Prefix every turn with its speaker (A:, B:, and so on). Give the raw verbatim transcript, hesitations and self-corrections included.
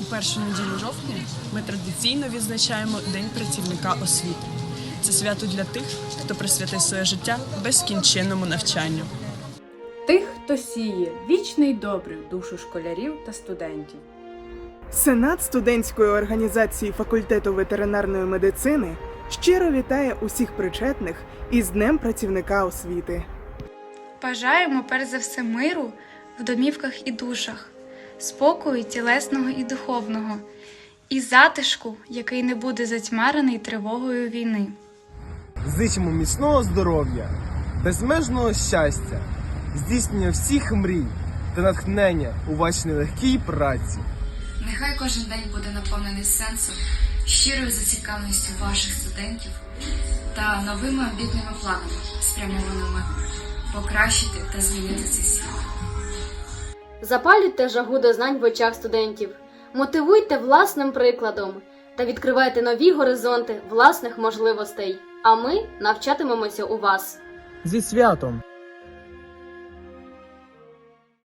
A: першу неділю жовтня ми традиційно відзначаємо День працівника освіти. Це свято для тих, хто присвятив своє життя безкінченному навчанню.
B: Тих, хто сіє вічний добрий в душу школярів та студентів.
C: Сенат студентської організації факультету ветеринарної медицини щиро вітає усіх причетних із Днем працівника освіти.
D: Бажаємо перш за все миру в домівках і душах, спокою тілесного і духовного, і затишку, який не буде затьмарений тривогою війни.
E: Зичимо міцного здоров'я, безмежного щастя, здійснення всіх мрій та натхнення у вашій нелегкій праці.
F: Нехай кожен день буде наповнений сенсом, щирою зацікавленістю ваших студентів та новими амбітними планами, спрямованими покращити та змінити цей світ.
G: Запалюйте жагу до знань в очах студентів, мотивуйте власним прикладом та відкривайте нові горизонти власних можливостей. А ми навчатимемося у вас.
H: Зі святом!